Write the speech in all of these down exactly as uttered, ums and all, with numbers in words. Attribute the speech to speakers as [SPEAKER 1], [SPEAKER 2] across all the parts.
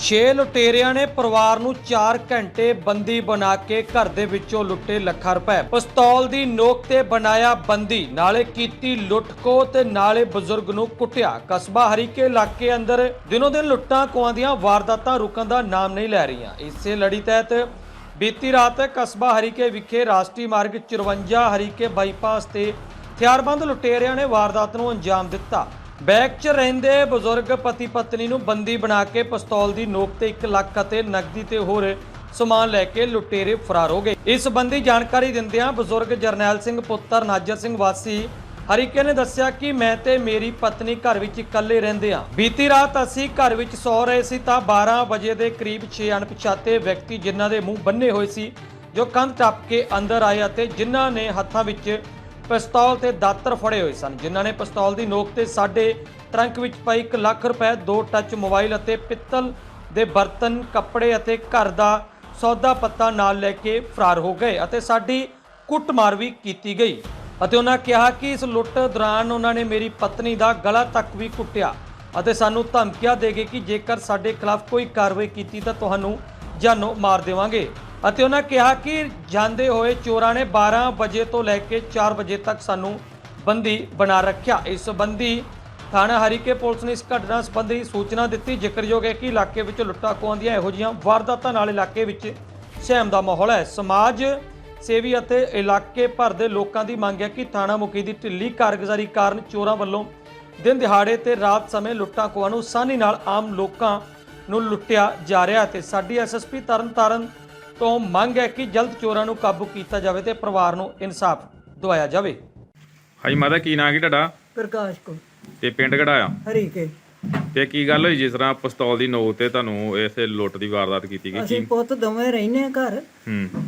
[SPEAKER 1] छे लुटेरिਆਂ ਨੇ ਪਰਿਵਾਰ ਨੂੰ चार घंटे बंदी बना के घर ਦੇ ਵਿੱਚੋਂ ਲੁੱਟੇ ਲੱਖਾਂ ਰੁਪਏ। ਪਿਸਤੌਲ ਦੀ ਨੋਕ ਤੇ ਬਣਾਇਆ ਬੰਦੀ, ਨਾਲੇ ਕੀਤੀ ਲੁੱਟਖੋ ਤੇ ਨਾਲੇ ਬਜ਼ੁਰਗ ਨੂੰ ਕੁੱਟਿਆ। ਕਸਬਾ ਹਰੀਕੇ ਇਲਾਕੇ ਅੰਦਰ ਦਿਨੋਂ ਦਿਨ ਲੁੱਟਾਂ ਖੋਹਾਂ ਦੀਆਂ ਵਾਰਦਾਤਾਂ ਰੁਕਣ ਦਾ ਨਾਮ ਨਹੀਂ ਲੈ ਰਹੀਆਂ। ਇਸੇ ਲੜੀ ਤਹਿਤ ਬੀਤੀ ਰਾਤ ਕਸਬਾ ਹਰੀਕੇ ਵਿਖੇ ਰਾਸ਼ਟਰੀ ਮਾਰਗ ਚੁਰੰਜਾ ਹਰੀਕੇ ਬਾਈਪਾਸ ਤੇ ਹਥਿਆਰਬੰਦ ਲੁਟੇਰਿਆਂ ਨੇ ਵਾਰਦਾਤ ਨੂੰ ਅੰਜਾਮ ਦਿੱਤਾ। बैग च रहिंदे बजुर्ग पति पत्नी नूं बंदी बना के पिस्तौल की नोक ते एक लख अते नकदी ते होर समान लैके लुटेरे फरार हो गए। इस संबंधी जानकारी दिंदियां बजुर्ग जरनैल सिंह पुत्र नाजर सिंह वासी हरीके ने दस्सिया कि मैं ते मेरी पत्नी घर विच इकल्ले रहिंदे हां। बीती रात असीं घर विच सौ रहे सी तां बारह बजे दे करीब छे अणपछाते व्यक्ति जिन्हां दे मूँह बन्ने होए सी जो कंध टप के अंदर आए अते जिन्हां ने हत्थां विच पिस्तौल ते दातर फड़े हुए सन, जिन्हां ने पिस्तौल की नोक ते साडे ट्रंक विच पई एक लख रुपए, दो टच मोबाइल अते पित्तल दे बर्तन, कपड़े अते घर दा सौदा पत्ता नाल लैके फरार हो गए अते साडी कुੱਟਮਾਰ भी कीती गई। अते उन्हां कहा कि इस लुੱਟ दौरान उन्हां ने मेरी पत्नी दा गला तक भी कुੱਟਿਆ अते सानू धमकियां दे गए कि जेकर साडे खिलाफ कोई कार्रवाई कीती तां तुहानू जानो मार देवांगे। ਅਤੇ ਉਹਨਾਂ ਕਿਹਾ ਕਿ ਜਾਂਦੇ ਹੋਏ ਚੋਰਾਂ ਨੇ बारह ਵਜੇ ਤੋਂ ਲੈ ਕੇ चार ਵਜੇ ਤੱਕ ਸਾਨੂੰ ਬੰਦੀ ਬਣਾ ਰੱਖਿਆ। ਇਸ ਸੰਬੰਧੀ ਥਾਣਾ ਹਰੀਕੇ ਪੁਲਿਸ ਨੇ ਇਸ ਘਟਨਾ ਸੰਬੰਧੀ ਸੂਚਨਾ ਦਿੱਤੀ। ਜ਼ਿਕਰਯੋਗ ਹੈ ਕਿ ਇਲਾਕੇ ਵਿੱਚ ਲੁੱਟਾਂ ਖੋਹਾਂ ਦੀਆਂ ਇਹੋ ਜਿਹੀਆਂ ਵਾਰਦਾਤਾਂ ਨਾਲ ਇਲਾਕੇ ਵਿੱਚ ਸਹਿਮ ਦਾ ਮਾਹੌਲ ਹੈ। ਸਮਾਜ ਸੇਵੀ ਅਤੇ ਇਲਾਕੇ ਭਰ ਦੇ ਲੋਕਾਂ ਦੀ ਮੰਗ ਹੈ ਕਿ ਥਾਣਾ ਮੁਖੀ ਦੀ ਢਿੱਲੀ ਕਾਰਗੁਜ਼ਾਰੀ ਕਾਰਨ ਚੋਰਾਂ ਵੱਲੋਂ ਦਿਨ ਦਿਹਾੜੇ ਤੇ ਰਾਤ ਸਮੇਂ ਲੁੱਟਾਂ ਖੋਹਾਂ ਨੂੰ ਆਸਾਨੀ ਨਾਲ ਆਮ ਲੋਕਾਂ ਨੂੰ ਲੁੱਟਿਆ ਜਾ ਰਿਹਾ ਤੇ ਸਾਡੀ ਐਸਐਸਪੀ ਤਰਨਤਾਰਨ तो मंग है कि जल्द चोरां नूं काबू किया जाए तो परिवार नूं इंसाफ दवाया जाए।
[SPEAKER 2] हाँ जी माता की नाम की तुहाडा?
[SPEAKER 3] प्रकाश को
[SPEAKER 2] ते पिंड किहड़ा आ?
[SPEAKER 3] हरीके।
[SPEAKER 2] ते की गल होई जिस तरह पिस्तौल दी नोक ते तुहानूं इस लुੱਟ दी वारदात कीती गई?
[SPEAKER 3] ਅਸੀਂ ਪੁੱਤ ਦੋਵੇਂ ਰਹਿੰਦੇ ਆ ਘਰ
[SPEAKER 2] हूँ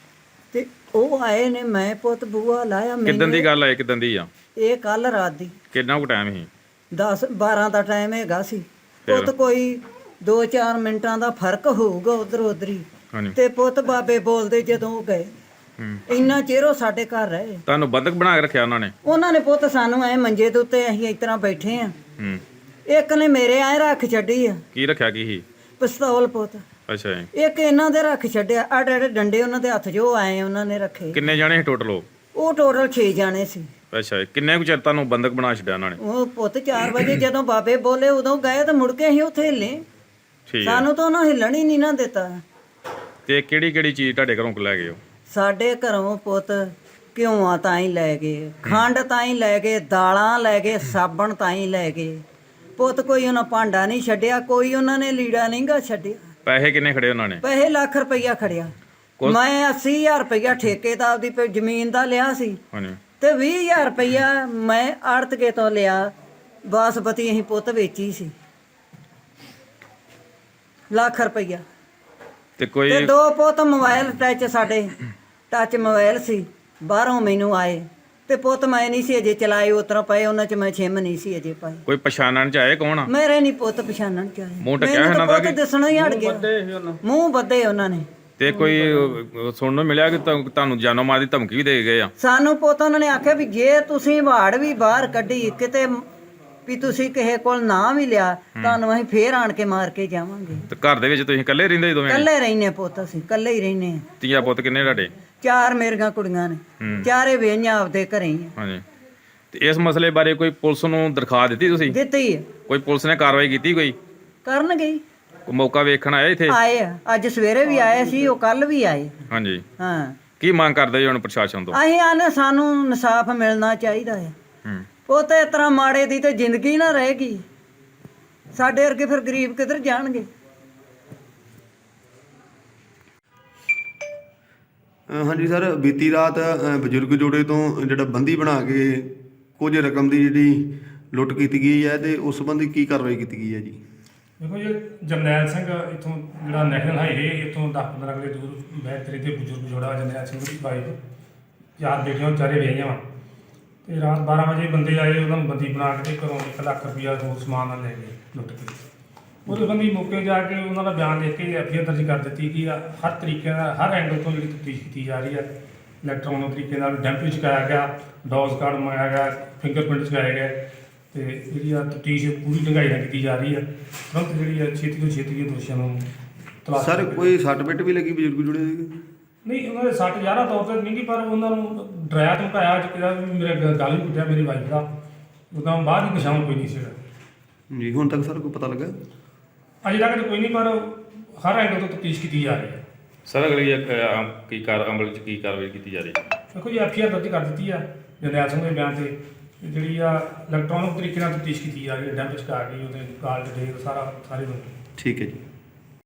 [SPEAKER 3] ਤੇ ਉਹ ਆਏ ਨੇ, ਮੈਂ ਪੁੱਤ ਬੂਆ ਲਾਇਆ।
[SPEAKER 2] किदन दी गल है किदन दी आ?
[SPEAKER 3] ਇਹ ਕੱਲ ਰਾਤ ਦੀ
[SPEAKER 2] कितना कु टाइम ही?
[SPEAKER 3] दस बारह ਦਾ ਟਾਈਮ ਹੈਗਾ ਸੀ। ਪੁੱਤ ਕੋਈ दो चार ਮਿੰਟਾਂ ਦਾ ਫਰਕ ਹੋਊਗਾ ਉਧਰ ਉਧਰੀ।
[SPEAKER 2] हाँ जी
[SPEAKER 3] ਤੇ ਪੁੱਤ ਬਾਬੇ ਬੋਲਦੇ ਜਦੋਂ ਉਹ ਗਏ
[SPEAKER 2] हूँ
[SPEAKER 3] ਇੰਨਾ ਚਿਰ ਉਹ ਸਾਡੇ ਘਰ ਰਹੇ।
[SPEAKER 2] तुहानूं बंधक बना के रखिया उन्होंने?
[SPEAKER 3] ਉਹਨਾਂ ਨੇ ਪੁੱਤ ਸਾਨੂੰ ਐ ਮੰਜੇ ਦੇ ਉੱਤੇ ਅਸੀਂ ਇਸ ਤਰ੍ਹਾਂ ਬੈਠੇ ਆ।
[SPEAKER 2] हूँ
[SPEAKER 3] ਇੱਕ ਨੇ ਮੇਰੇ ਐ ਰੱਖ ਛੱਡੀ ਆ
[SPEAKER 2] की रखिया की ही?
[SPEAKER 3] ਪਿਸਤੌਲ ਪੁੱਤ।
[SPEAKER 2] अच्छा जी।
[SPEAKER 3] ਇੱਕ ਇਹਨਾਂ ਦੇ ਰੱਖ ਛੱਡਿਆ, ਆੜੇ ਆੜੇ ਡੰਡੇ ਉਹਨਾਂ ਦੇ ਹੱਥ ਜੋ ਆਏ ਉਹਨਾਂ ਨੇ ਰੱਖੇ।
[SPEAKER 2] किन्ने जाने ही टोटल?
[SPEAKER 3] ਉਹ ਟੋਟਲ ਛੇ ਜਾਣੇ ਸੀ।
[SPEAKER 2] अच्छा जी। किन्ने कु चिर तुहानूं बंधक बना छड्डिया उन्होंने?
[SPEAKER 3] ਉਹ ਪੁੱਤ चार ਵਜੇ ਜਦੋਂ ਬਾਬੇ ਬੋਲੇ ਉਦੋਂ ਗਏ ਤੇ ਮੁੜ ਕੇ ਅਸੀਂ ਉੱਥੇ ਹਿੱਲੇ।
[SPEAKER 2] ठीक है।
[SPEAKER 3] ਸਾਨੂੰ ਤਾਂ ਉਹਨਾਂ ਹਿੱਲਣ ਹੀ ਨਹੀਂ ਨਾ ਦਿੱਤਾ।
[SPEAKER 2] ते किहड़ी किहड़ी चीज़ तुहाडे घरों लै गए हो?
[SPEAKER 3] ਸਾਡੇ ਘਰੋਂ ਪੁੱਤ ਘਿਓਆਂ ਤਾਂ ਹੀ ਲੈ ਗਏ, ਖੰਡ ਤਾਂ ਹੀ ਲੈ ਗਏ, ਦਾਲਾਂ ਲੈ ਗਏ, ਸਾਬਣ ਤਾਂ ਹੀ ਲੈ ਗਏ। ਪੁੱਤ ਕੋਈ ਉਹਨਾਂ ਭਾਂਡਾ ਨਹੀਂ ਛੱਡਿਆ, ਕੋਈ ਉਹਨਾਂ ਨੇ ਲੀੜਾ ਨਹੀਂ ਗਾ ਛੱਡਿਆ।
[SPEAKER 2] पैसे किन्ने खड़े उन्होंने?
[SPEAKER 3] ਪੈਸੇ ਲੱਖ ਰੁਪਈਆ ਖੜਿਆ। ਮੈਂ अस्सी हज़ार ਰੁਪਈਆ ਠੇਕੇ ਦਾ ਆਪਦੀ ਪ- ਜ਼ਮੀਨ ਦਾ ਲਿਆ ਸੀ
[SPEAKER 2] हाँ जी
[SPEAKER 3] ਤੇ ਵੀਹ ਹਜ਼ਾਰ ਰੁਪਈਆ ਮੈਂ ਆੜਤਕੇ ਤੋਂ ਲਿਆ। ਬਾਸਪਤੀ ਅਸੀਂ ਪੁੱਤ ਵੇਚੀ ਸੀ ਲੱਖ ਰੁਪਈਆ।
[SPEAKER 2] ते कोई
[SPEAKER 3] ਤੇ ਦੋ ਪੁੱਤ ਮੋਬਾਈਲ ਟੱਚ ਸਾਡੇ ਟੱਚ ਮੋਬਾਈਲ ਸੀ ਬਾਹਰੋਂ ਮੈਨੂੰ ਆਏ ਤੇ ਪੁੱਤ ਮੈਂ ਨਹੀਂ ਸੀ ਅਜੇ ਚਲਾਏ, ਉਤਰਾ ਪਏ ਉਹਨਾਂ ਚ ਮੈਂ ਛਿਮ ਨਹੀਂ ਸੀ ਅਜੇ ਪਾਈ।
[SPEAKER 2] कोई पछाणन च आए कौन आ?
[SPEAKER 3] ਮੇਰੇ ਨਹੀਂ ਪੁੱਤ ਪਛਾਣਨ ਚ ਆਏ।
[SPEAKER 2] ਮੂੰਹ ਢੱਕਿਆ
[SPEAKER 3] ਮੈਨੂੰ
[SPEAKER 2] ਇਹਨਾਂ
[SPEAKER 3] ਤਾਂ
[SPEAKER 2] ਦਾ
[SPEAKER 3] ਪੁੱਤ ਦਿਸਣਾ ਹੀ ਹਟ ਗਿਆ, ਮੂੰਹ ਬੱਧੇ ਉਹਨਾਂ ਨੇ।
[SPEAKER 2] ਤੇ ਕੋਈ ਅਹ, ਸੁਣਨ ਨੂੰ ਮਿਲਿਆ ਕਿ ਤੁਹਾ- ਤੁਹਾਨੂੰ ਜਾਨੋਂ ਮਾਰ ਦੀ ਧਮਕੀ ਵੀ ਦੇ ਗਏ ਆ?
[SPEAKER 3] ਸਾਨੂੰ ਪੁੱਤ ਉਹਨਾਂ ਨੇ ਆਖਿਆ ਵੀ ਜੇ ਤੁਸੀਂ ਵਾੜ ਵੀ ਬਾਹਰ ਕੱਢੀ ਕਿਤੇ ਵੀ ਤੁਸੀਂ ਕਿਸੇ ਕੋਲ ਨਾ ਵੀ ਲਿਆ ਤੁਹਾਨੂੰ ਅਸੀਂ ਫੇਰ ਆਣ ਕੇ ਮਾਰ ਕੇ ਜਾਵਾਂਗੇ।
[SPEAKER 2] ਤੇ ਘਰ ਦੇ ਵਿੱਚ ਤੁਸੀਂ ਇਕੱਲੇ ਰਹਿੰਦੇ ਸੀ ਦੋਵੇਂ?
[SPEAKER 3] ਇਕੱਲੇ ਰਹਿੰਦੇ ਪੁੱਤ, ਅਸੀਂ ਇਕੱਲੇ ਹੀ ਰਹਿੰਦੇ ਹਾਂ।
[SPEAKER 2] ਤੀਆ ਪੁੱਤ ਕਿੰਨੇ ਤੁਹਾਡੇ?
[SPEAKER 3] ਚਾਰ ਮੇਰੀਆਂ ਕੁੜੀਆਂ ਨੇ,
[SPEAKER 2] ਹੂੰ।
[SPEAKER 3] ਚਾਰੇ ਵੇਈਆਂ ਆਪਦੇ ਘਰੇ ਹੀ ਆ।
[SPEAKER 2] ਹਾਂਜੀ। ਤੇ ਇਸ ਮਸਲੇ ਬਾਰੇ ਕੋਈ ਪੁਲਿਸ ਨੂੰ ਦਰਖਾਸਤ ਦਿੱਤੀ ਤੁਸੀਂ?
[SPEAKER 3] ਦਿੱਤੀ ਹੈ,
[SPEAKER 2] ਕੋਈ ਪੁਲਿਸ ਨੇ ਕਾਰਵਾਈ ਕੀਤੀ? ਕੋਈ
[SPEAKER 3] ਕਰਨ ਗਈ
[SPEAKER 2] ਕੋਈ ਮੌਕਾ ਵੇਖਣ ਆਇਆ ਇੱਥੇ?
[SPEAKER 3] ਆਏ ਆ, ਅੱਜ ਸਵੇਰੇ ਵੀ ਆਏ ਸੀ, ਉਹ ਕੱਲ ਵੀ ਆਏ।
[SPEAKER 2] ਹਾਂਜੀ।
[SPEAKER 3] ਹਾਂ,
[SPEAKER 2] ਕੀ ਮੰਗ ਕਰਦੇ ਜੀ ਹੁਣ ਪ੍ਰਸ਼ਾਸਨ ਤੋਂ?
[SPEAKER 3] ਅਸੀਂ ਆਨੇ ਸਾਨੂੰ ਇਨਸਾਫ ਮਿਲਣਾ ਚਾਹੀਦਾ ਹੈ।
[SPEAKER 2] ਹੂੰ
[SPEAKER 3] ਉਹ ਤੇ ਇਸ ਤਰ੍ਹਾਂ ਮਾੜੇ ਦੀ ਤੇ ਜ਼ਿੰਦਗੀ ਨਾ ਰਹੇਗੀ, ਸਾਡੇ ਵਰਗੇ ਫਿਰ ਗਰੀਬ ਕਿੱਧਰ ਜਾਣਗੇ।
[SPEAKER 4] ਅ, ਹਾਂਜੀ ਸਰ, ਬੀਤੀ ਰਾਤ ਅ, ਬਜ਼ੁਰਗ ਜੋੜੇ ਤੋਂ ਜਿਹੜਾ ਬੰਦੀ ਬਣਾ ਕੇ ਕੁਝ ਰਕਮ ਦੀ ਜਿਹੜੀ ਲੁੱਟ ਕੀਤੀ ਗਈ ਹੈ ਤੇ ਉਸ ਸੰਬੰਧੀ ਕੀ ਕਾਰਵਾਈ ਕੀਤੀ ਗਈ ਹੈ ਜੀ?
[SPEAKER 5] ਦੇਖੋ ਜੀ, ਜਰਨੈਲ ਸਿੰਘ ਇੱਥੋਂ ਜਿਹੜਾ ਨੈਸ਼ਨਲ ਹਾਈਵੇ ਇੱਥੋਂ ਦਸ ਪੰਦਰਾਂ ਕਿਲੇ ਦੂਰ ਬੈਤਰੀ ਤੇ ਬਜ਼ੁਰਗ ਜੋੜਾ ਜਰਨੈਲ ਸਿੰਘ ਦੀ ਵਾਈਫ, ਚਾਰ ਬੇਟੀਆਂ ਚਾਰੇ ਵਿਆਹੀਆਂ ਵਾ। ਤੇ ਰਾਤ ਬਾਰ੍ਹਾਂ ਵਜੇ ਬੰਦੇ ਆਏ, ਉਹਨਾਂ ਨੂੰ ਬੰਦੀ ਬਣਾ ਕੇ ਤੇ ਘਰੋਂ ਇੱਕ ਲੱਖ ਰੁਪਈਆ ਹੋਰ ਸਮਾਨ ਨਾਲ ਲੈ ਗਏ ਲੁੱਟ ਕੇ। ਉਹਦੇ ਬੰਦੀ ਮੌਕੇ ਜਾ ਕੇ ਉਹਨਾਂ ਦਾ ਬਿਆਨ ਲਿਖ ਕੇ ਐਫ ਆਈ ਆਰ ਦਰਜ ਕਰ ਦਿੱਤੀ ਕਿ ਹਰ ਤਰੀਕੇ ਨਾਲ ਹਰ ਐਂਗਲ ਤੋਂ ਜਿਹੜੀ ਤਫਤੀਸ਼ ਕੀਤੀ ਜਾ ਰਹੀ ਹੈ। ਇਲੈਕਟ੍ਰੋਨਿਕ ਤਰੀਕੇ ਨਾਲ ਡੈਂਪ ਚੁਕਾਇਆ ਗਿਆ, ਡੋਜ਼ ਕਾਰਡ ਮੰਗਾਇਆ ਗਿਆ, ਫਿੰਗਰਪ੍ਰਿੰਟ ਚੁਕਾਏ ਗਏ ਤੇ ਜਿਹੜੀ ਆ ਤਫਤੀਸ਼ ਪੂਰੀ ਢੰਗਾਈ ਨਾਲ ਕੀਤੀ ਜਾ ਰਹੀ ਹੈ। ਤੁਰੰਤ ਜਿਹੜੀ ਆ ਛੇਤੀ ਤੋਂ ਛੇਤੀ ਇਹ ਦੋਸ਼ੀਆਂ ਨੂੰ ਤਲਾਸ਼
[SPEAKER 4] ਸਰ
[SPEAKER 5] ਕਰਕੇ-
[SPEAKER 4] ਕੋਈ ਸੱਟ ਪਿੱਟ ਵੀ ਲੱਗੀ ਬਜ਼ੁਰਗ ਜੁੜੇ ਦੇ?
[SPEAKER 5] ਨਹੀਂ ਉਹਨਾਂ ਦੇ ਸੱਟ ਜ਼ਿਆਦਾ ਤੌਰ ਤੇ ਨਹੀਂ ਗੀ, ਪਰ ਉਹਨਾਂ ਨੂੰ ਡਰਾਇਆ ਧਮਕਾਇਆ ਜਿਹੜਾ ਵੀ ਮੇਰੇ ਗ- ਗੱਲ ਵੀ ਕੁੱਟਿਆ ਮੇਰੀ ਵਾਈਫ ਦਾ, ਉਦੋਂ ਬਾਅਦ ਹੀ ਨਿਸ਼ਾਨ ਕੋਈ ਨਹੀਂ ਸੀਗਾ
[SPEAKER 4] ਜੀ ਹੁਣ ਤੱਕ ਸਰ ਕੋਈ ਪਤਾ ਲੱਗਾ?
[SPEAKER 5] ਅਜੇ ਤੱਕ ਤਾਂ ਕੋਈ ਨਹੀਂ, ਪਰ ਹਰ ਐਂਗਲ ਤੋਂ ਤਫਤੀਸ਼ ਕੀਤੀ ਜਾ ਰਹੀ ਹੈ।
[SPEAKER 2] ਸਰ ਅਗਲੀ ਅ, ਅ, ਕੀ ਕਾਰ ਅਮਲ ਚ ਕੀ ਕਾਰਵਾਈ ਕੀਤੀ ਜਾ ਰਹੀ ਹੈ?
[SPEAKER 5] ਦੇਖੋ ਜੀ ਐਫ ਆਈ ਆਰ ਦਰਜ ਕਰ ਦਿੱਤੀ ਆ ਜਰਨੈਲ ਸਿੰਘ ਦੇ ਬਿਆਨ ਤੇ, ਤੇ ਜਿਹੜੀ ਆ ਇਲੈਕਟ੍ਰੋਨਿਕ ਤਰੀਕੇ ਨਾਲ ਤਫਤੀਸ਼ ਕੀਤੀ ਜਾ ਰਹੀ ਹੈ। ਡੈਂਪ ਚ ਆ ਗਈ ਉਹਦੇ ਕਾਲ ਡਿਟੇਲ ਸਾਰਾ ਸਾਰੇ ਨੂੰ
[SPEAKER 4] ਠੀਕ ਹੈ ਜੀ।